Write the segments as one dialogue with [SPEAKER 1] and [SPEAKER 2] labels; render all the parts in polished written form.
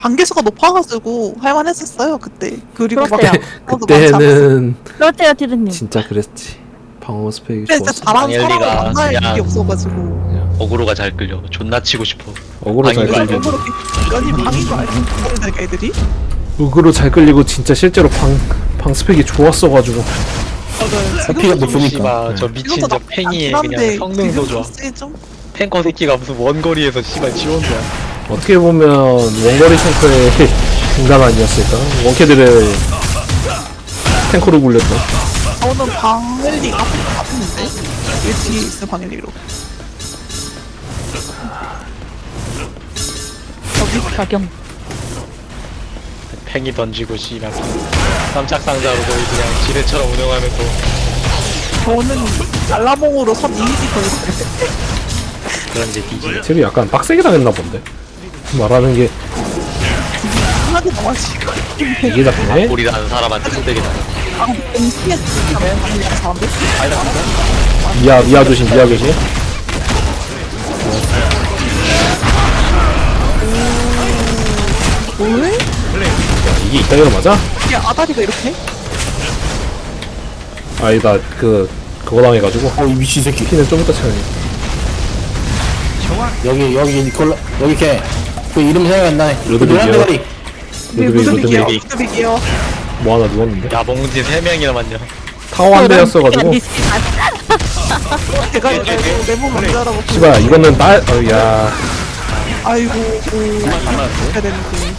[SPEAKER 1] 단계수가 높아가지고 할만했었어요 그때. 그리고 막
[SPEAKER 2] 그렇대요.
[SPEAKER 1] 방어도 많지 않았어요.
[SPEAKER 3] 그때는
[SPEAKER 2] 그렇대요, 티드님.
[SPEAKER 3] 진짜 그랬지. 방어 스펙이
[SPEAKER 1] 근데 진짜
[SPEAKER 3] 좋았어.
[SPEAKER 1] 잘하는 사람을
[SPEAKER 4] 방엘리가
[SPEAKER 1] 만날
[SPEAKER 4] 그냥-
[SPEAKER 1] 일이 없어가지고.
[SPEAKER 3] 그냥
[SPEAKER 4] 어그로가 잘 끌려. 존나 치고 싶어.
[SPEAKER 3] 어그로 잘
[SPEAKER 4] 방위가
[SPEAKER 3] 끌리고.
[SPEAKER 1] 연이 방이도 알고 있는 애들이.
[SPEAKER 3] 어그로 잘 끌리고 진짜 실제로 방 스펙이 좋았어가지고.
[SPEAKER 5] 피가 높으니까.
[SPEAKER 4] 씨발 저 미친 저 팽이 그냥 성능도 좋아.
[SPEAKER 1] 좀
[SPEAKER 4] 탱커 새끼가 무슨 원거리에서 씨발 지원 좋아.
[SPEAKER 3] 어떻게 보면 원거리 탱커의 인간 아니었을까? 원캐들의 탱커로 굴렸던.
[SPEAKER 1] 저는 방엘리 아픈데 왜 뒤에 있어 방엘리로.
[SPEAKER 2] 저기 가경.
[SPEAKER 4] 팽이 던지고 씨발 깜짝 상자로 거의 그냥 지뢰처럼 운영하면서
[SPEAKER 1] 저는 알라몽으로 선 이미지 걸고
[SPEAKER 4] 그런 이제 뒤지.
[SPEAKER 3] 쟤도 약간 빡세게 당했나 본데. 말하는 게
[SPEAKER 1] 하나도 나와지고.
[SPEAKER 3] 이게 잡히네.
[SPEAKER 4] 우리라는 사람한테 소대기 나는.
[SPEAKER 1] 아, MC에 방엘리 사람들.
[SPEAKER 3] 미아 조심, 미아 조심.
[SPEAKER 1] 왜?
[SPEAKER 3] 이게 이따위로 맞아?
[SPEAKER 1] 이게 아다리가 이렇게?
[SPEAKER 3] 아니다, 그거 당해가지고.
[SPEAKER 5] 이 미친 새끼.
[SPEAKER 3] 피는 좀 이따 차야지.
[SPEAKER 5] 여기 니콜라 여기 걔. 그 이름 생각이 안 나네. 그
[SPEAKER 3] 루드빅이요.
[SPEAKER 5] 노란 대가리.
[SPEAKER 1] 무드빅이요.
[SPEAKER 3] 루드빅.
[SPEAKER 1] 무드빅이요.
[SPEAKER 3] 뭐 하나 누웠는데?
[SPEAKER 4] 야 몽진 3명이나만요.
[SPEAKER 3] 타워 한 대였어가지고.
[SPEAKER 1] 제가 이거 내몸 만져라고.
[SPEAKER 3] 씨발, 이거는 야.
[SPEAKER 1] 아이고, 해야 되는데.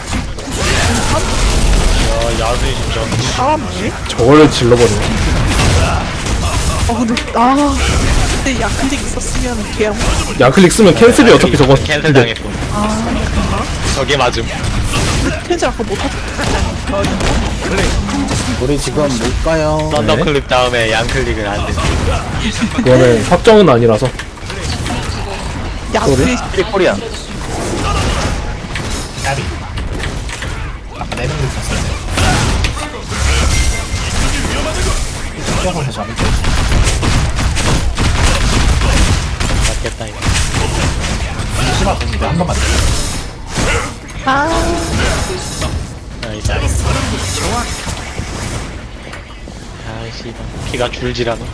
[SPEAKER 4] 야수이 진짜.
[SPEAKER 1] 사람이?
[SPEAKER 3] 저걸 질러버리네.
[SPEAKER 1] 근데 야클릭 있었으면 걔랑
[SPEAKER 3] 야클릭 쓰면 캔슬이 어차피 저거.
[SPEAKER 4] 캔슬 당했어. 저게 맞음.
[SPEAKER 1] 캔슬 아까 못하지.
[SPEAKER 5] 우리 지금 못 가요.
[SPEAKER 4] 썬더클립 다음에 양클릭은 안 돼.
[SPEAKER 3] 그거는 확정은 아니라서.
[SPEAKER 1] 야클릭
[SPEAKER 4] 코리안. 맞겠다 이거. 아 이제. 아이씨 피가 줄지라노.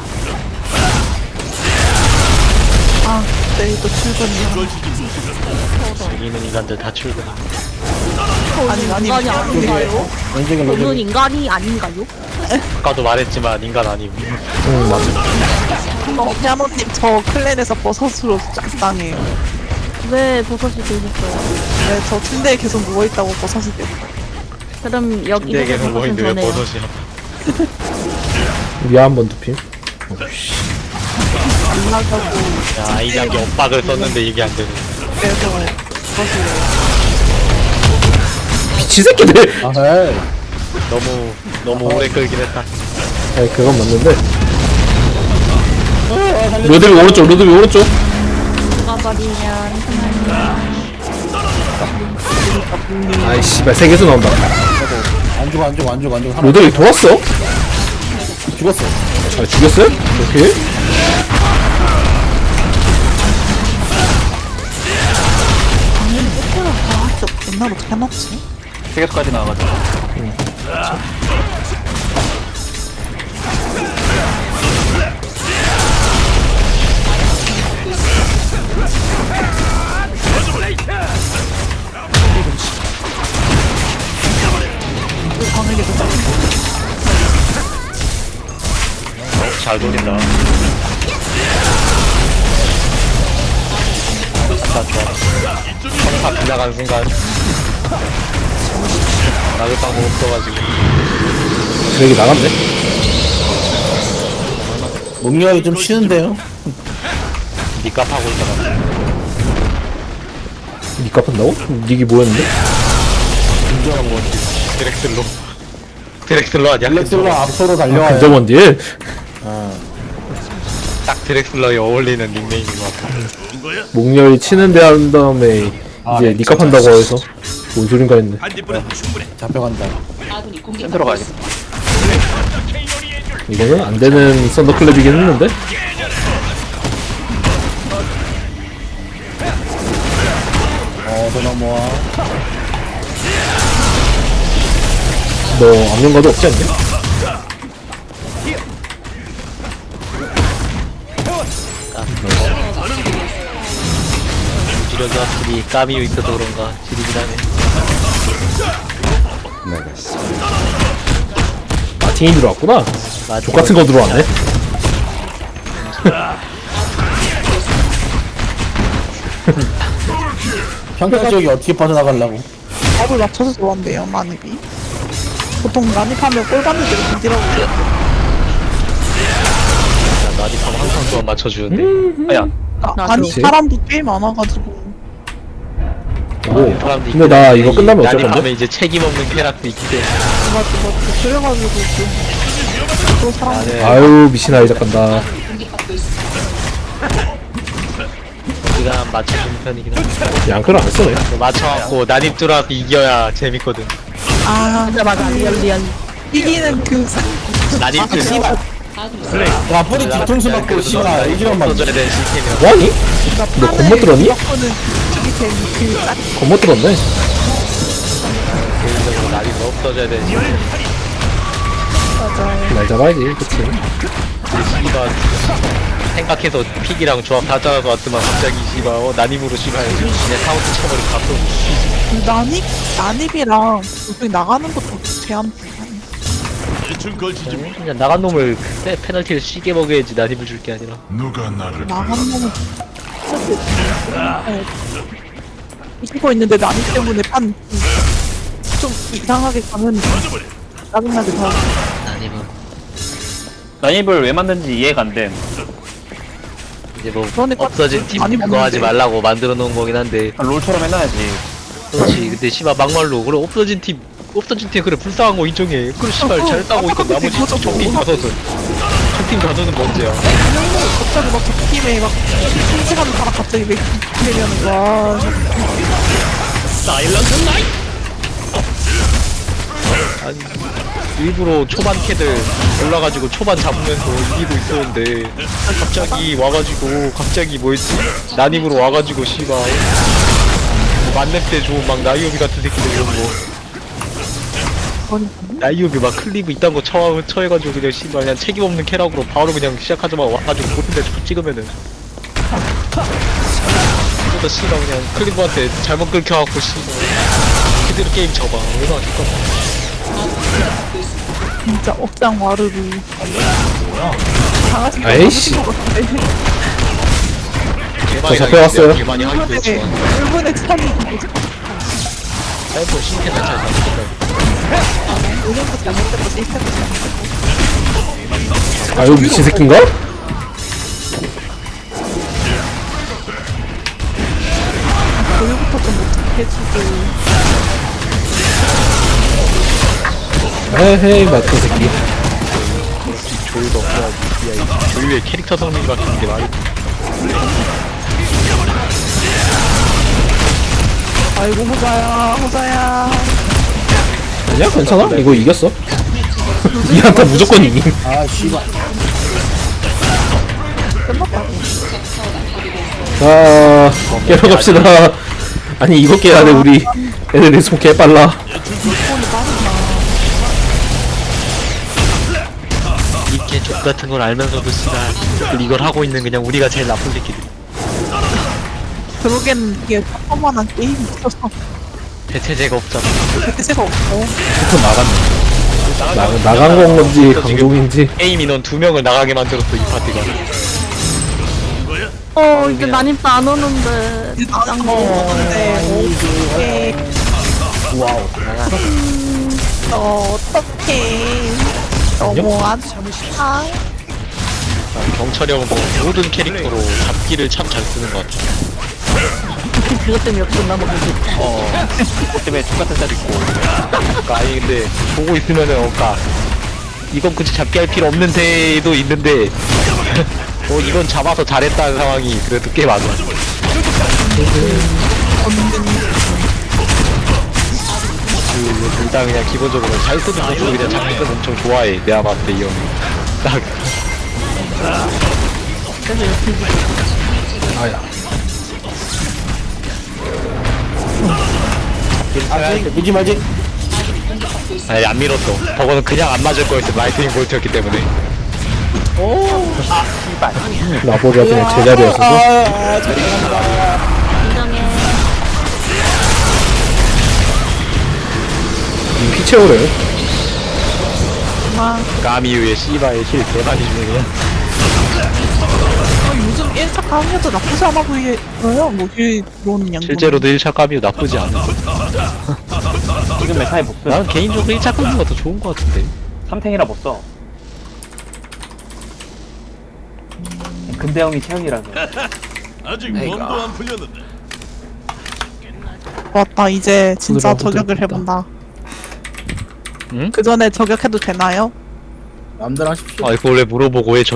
[SPEAKER 1] 내일도 출근이야.
[SPEAKER 4] 여기는 인간들 다 출근.
[SPEAKER 1] 아니
[SPEAKER 2] 인간이 아닌가요?
[SPEAKER 5] 왼쪽에
[SPEAKER 2] 저는
[SPEAKER 5] 로드.
[SPEAKER 2] 인간이 아닌가요?
[SPEAKER 4] 아까도 말했지만 인간 아님.
[SPEAKER 3] 응, 맞아.
[SPEAKER 1] 피아노님 저 클랜에서 버섯으로 쫙 당해요.
[SPEAKER 2] 왜 버섯이 되셨어요?
[SPEAKER 1] 네, 저 침대에 계속 누워있다고 버섯이 되고.
[SPEAKER 2] 그럼 여기
[SPEAKER 4] 내게
[SPEAKER 2] 버섯은
[SPEAKER 4] 뭐인데 왜
[SPEAKER 2] 전해요.
[SPEAKER 4] 버섯이야?
[SPEAKER 3] 미아 한번 두핌.
[SPEAKER 1] 안 나가고.
[SPEAKER 4] 야, 이 장기 엇박을 썼는데 이게 안 되네.
[SPEAKER 1] 그래서 버섯을.
[SPEAKER 3] 미친 새끼들!
[SPEAKER 5] 아, 에이.
[SPEAKER 4] 너무 오래 끌긴 했다.
[SPEAKER 3] 아니, 그건 맞는데. 로드비 오른쪽, 로드비 오른쪽.
[SPEAKER 2] 가버리면
[SPEAKER 3] 아이, 씨발, 세 개수 나온다.
[SPEAKER 5] 안 죽어. 하나
[SPEAKER 3] 로드비 돌았어?
[SPEAKER 5] 죽었어.
[SPEAKER 3] 아, 죽였어요? 오케이.
[SPEAKER 1] 진짜 맨날 어떻게 해놨지?
[SPEAKER 4] 세계수까지 나와가지고. 잘 돌린다. 나 좋아. 다 지나가는 순간 나를 방법 없어가지고.
[SPEAKER 3] 여기 나갔네?
[SPEAKER 5] 목요일이 좀 쉬는데요.
[SPEAKER 4] 니값 하고 있잖아.
[SPEAKER 3] 니 갚은다고? 닉이 뭐였는데?
[SPEAKER 4] 드렉슬로. 드렉슬러 아니야?
[SPEAKER 5] 렉슬로 앞으로 달려와요.
[SPEAKER 3] 근접원 딜?
[SPEAKER 4] 딱 드렉슬러에 어울리는 닉네임인 것 같아.
[SPEAKER 3] 목렬이 치는데 한 다음에 이제 니 갚한다고 해서 뭔 소린가 했네.
[SPEAKER 5] 잡혀간다.
[SPEAKER 4] 센터로 가야겠다.
[SPEAKER 3] 이거는 안 되는 썬더클랩이긴 했는데?
[SPEAKER 5] 더 넘어와.
[SPEAKER 3] 너 압력가도 없지 않냐?
[SPEAKER 4] 이러다 둘이 까미유 있어서 그런가 지리긴 하네.
[SPEAKER 3] 마틴이 들어왔구나.
[SPEAKER 4] 맞아.
[SPEAKER 3] 족 같은 거 들어왔네.
[SPEAKER 5] 평타 지역이 어떻게 빠져나가려고.
[SPEAKER 1] 밥을 맞춰서 들어온대요, 난입이. 보통 난입하면 꼴 받는 대로 던지라고 그래요.
[SPEAKER 4] 나디하면 항상 조합 맞춰주는데. 야,
[SPEAKER 1] 아니,
[SPEAKER 3] 그렇지.
[SPEAKER 1] 사람도 꽤 많아가지고.
[SPEAKER 3] 오.
[SPEAKER 4] 사람도
[SPEAKER 3] 근데 나 이거 끝나면 어쩔
[SPEAKER 4] 나디하면
[SPEAKER 3] 건데?
[SPEAKER 4] 이제 책임 없는 쾌락도 있기 때문에.
[SPEAKER 1] 맞지. 그래가지고 또 사람
[SPEAKER 4] 나는
[SPEAKER 3] 아유 미친 아이작 간다.
[SPEAKER 4] 우리가 맞춰주는 편이긴 한데.
[SPEAKER 3] 양크를 안 쓰네.
[SPEAKER 4] 맞춰갖고 난입 들어와서 이겨야 재밌거든.
[SPEAKER 2] 맞아 리얼
[SPEAKER 1] 이기는 그
[SPEAKER 4] 난입 들
[SPEAKER 5] 와, 뿌리 뒤통수 맞고, 씨발, 이기란 말이야.
[SPEAKER 4] 써줘야 되는 시스템이야.
[SPEAKER 3] 뭐하니? 너 겉멋 들었니?
[SPEAKER 1] 무조건은 이게 제일 그 딱
[SPEAKER 3] 겉멋 들었네.
[SPEAKER 4] 개인적으로 난입 없어져야 되는 시스템.
[SPEAKER 1] 맞아요.
[SPEAKER 3] 날 잡아야지. 그치.
[SPEAKER 4] 씨발 생각해서 픽이랑 조합 다 짜서 왔더만 갑자기 씨발 난입으로 씨발 내 카운트 쳐버리고 갔어.
[SPEAKER 1] 난입이랑 요즘 나가는 것도 제한.
[SPEAKER 4] 그냥 나간 놈을 그때 페널티를 쉬게 먹여야지 난입을 줄 게 아니라.
[SPEAKER 6] 누가 나를
[SPEAKER 1] 나가는 거는 이기고 있는데 난입 때문에 판 좀 이상하게 가면 짜증나게 다.
[SPEAKER 4] 난입은
[SPEAKER 7] 난입을 왜 만든지 이해가 안 됨.
[SPEAKER 4] 이제 뭐
[SPEAKER 1] 그러니까
[SPEAKER 4] 없어진 팀
[SPEAKER 1] 많이
[SPEAKER 4] 그거 하지
[SPEAKER 1] 먹는데.
[SPEAKER 4] 말라고 만들어 놓은 거긴 한데.
[SPEAKER 7] 롤처럼 해놔야지.
[SPEAKER 4] 그렇지. 근데 씨발 막말로 그래 없어진 팀 그래 불쌍한 거 인정해. 그래 씨발 잘 따고 있고 나머지 총팀 다섯은 총팀 다섯은 문제야.
[SPEAKER 1] 갑자기 막 저 팀에 막 실시간으로 가다 갑자기 왜 되면 와
[SPEAKER 4] 아니 일부러 초반 캐들 올라가지고 초반 잡으면서 이기고 있었는데 갑자기 와가지고 갑자기 뭐였지 난입으로 와가지고 씨발 뭐 만렙 때 좋은 막 나이오비 같은 새끼들 이런 거 나이오비 막 클리브 이딴 거 처해가지고 그냥 씨발 그냥 책임 없는 캐락으로 바로 그냥 시작하자마자 와가지고 모든데 찍으면은 또 씨발 그냥 클리브한테 잘못 긁혀갖고 씨발 그대로 게임 접어 얼마나 좋까.
[SPEAKER 1] 진짜 억장 와르르 강아지
[SPEAKER 3] 아이씨.
[SPEAKER 4] 개많이
[SPEAKER 3] 잡혀왔어요.
[SPEAKER 4] 당했는데 개많이 하기도
[SPEAKER 1] 일본에
[SPEAKER 4] 했지만
[SPEAKER 1] 일본에 참이
[SPEAKER 4] 사이버 신캐나 잘 잡혔다.
[SPEAKER 1] 오늘도 잘못된 거 시스템
[SPEAKER 3] 아유 미친 새끼인가?
[SPEAKER 1] 교육부터 좀 어떻게 해주고
[SPEAKER 3] 에헤이 마트 새끼.
[SPEAKER 4] 조율도 없어야지. 야, 이 조율의 캐릭터 성능이 바뀌는 게 말이 돼.
[SPEAKER 1] 아이고 호자야
[SPEAKER 3] 아니야 괜찮아. 이거 이겼어. 이 한타 무조건 이김.
[SPEAKER 5] 아, 씨발.
[SPEAKER 3] 자 깨러 갑시다. 아니 이거 깨야 돼 우리. 애들 리스폰 개 빨라.
[SPEAKER 4] 이게 족 같은 걸 알면서도 씨발 이걸 하고 있는 그냥 우리가 제일 나쁜 새끼들.
[SPEAKER 1] 그러기엔 이게 평범한 게임이 있어서
[SPEAKER 4] 대체제가 없잖아.
[SPEAKER 1] 대체가 없어
[SPEAKER 3] 또 나갔네. 나간 건지 강종인지.
[SPEAKER 4] 게임 인원 2명을 나가게 만들었어 이 파티가.
[SPEAKER 2] 이제 난입도 안 오는데
[SPEAKER 1] 나간 거 없는데
[SPEAKER 5] 와우.
[SPEAKER 1] 어떡해 너무한 아
[SPEAKER 4] 경찰이 형은 뭐 모든 캐릭터로 잡기를 참 잘 쓰는 것 같아.
[SPEAKER 2] 그것 때문에 역전 나머지
[SPEAKER 7] 그것 때문에 똑같은 짤 있고.
[SPEAKER 4] 그러니까 아니 근데 보고 있으면은 그러니까 이건 굳이 잡기 할 필요 없는데도 있는데 이건 잡아서 잘했다는 상황이 그래도 꽤 많아. 일단 그냥 기본적으로 잘 쓰는 모습을 그냥 잡기 쓰는 엄청 좋아해. 내가 봤을 때 이 형이 딱
[SPEAKER 3] 아야.
[SPEAKER 5] 아, 밀지 말지.
[SPEAKER 4] 아니 안 밀었어. 저거는 그냥 안 맞을 거였어. 라이트닝 볼트였기 때문에.
[SPEAKER 3] 나보다 그냥 제자리였어서.
[SPEAKER 2] 인정해.
[SPEAKER 3] 피 채우래요.
[SPEAKER 4] 까미유의 씨바의 힐 대박이 주네 그냥.
[SPEAKER 1] 요즘 1차 강의도 나쁘지 않아 보여요. 뭐 힐로는 양분.
[SPEAKER 4] 실제로도 1차 까미유 나쁘지 않아.
[SPEAKER 7] 지금 메타에 못 써.
[SPEAKER 4] 나는 개인적으로 1차 까미유가 더 좋은 거 같은데.
[SPEAKER 7] 3탱이라 못 써. 근대형이 최악이라서.
[SPEAKER 6] 아직 몸도 안 풀렸는데.
[SPEAKER 1] 맞다. 이제 진짜
[SPEAKER 3] 부드러워,
[SPEAKER 1] 저격을
[SPEAKER 3] 부드럽다.
[SPEAKER 1] 해본다.
[SPEAKER 4] 응?
[SPEAKER 1] 그 전에 저격해도 되나요?
[SPEAKER 5] 마음대로 하십시오.
[SPEAKER 4] 아 이거 원래 물어보고 왜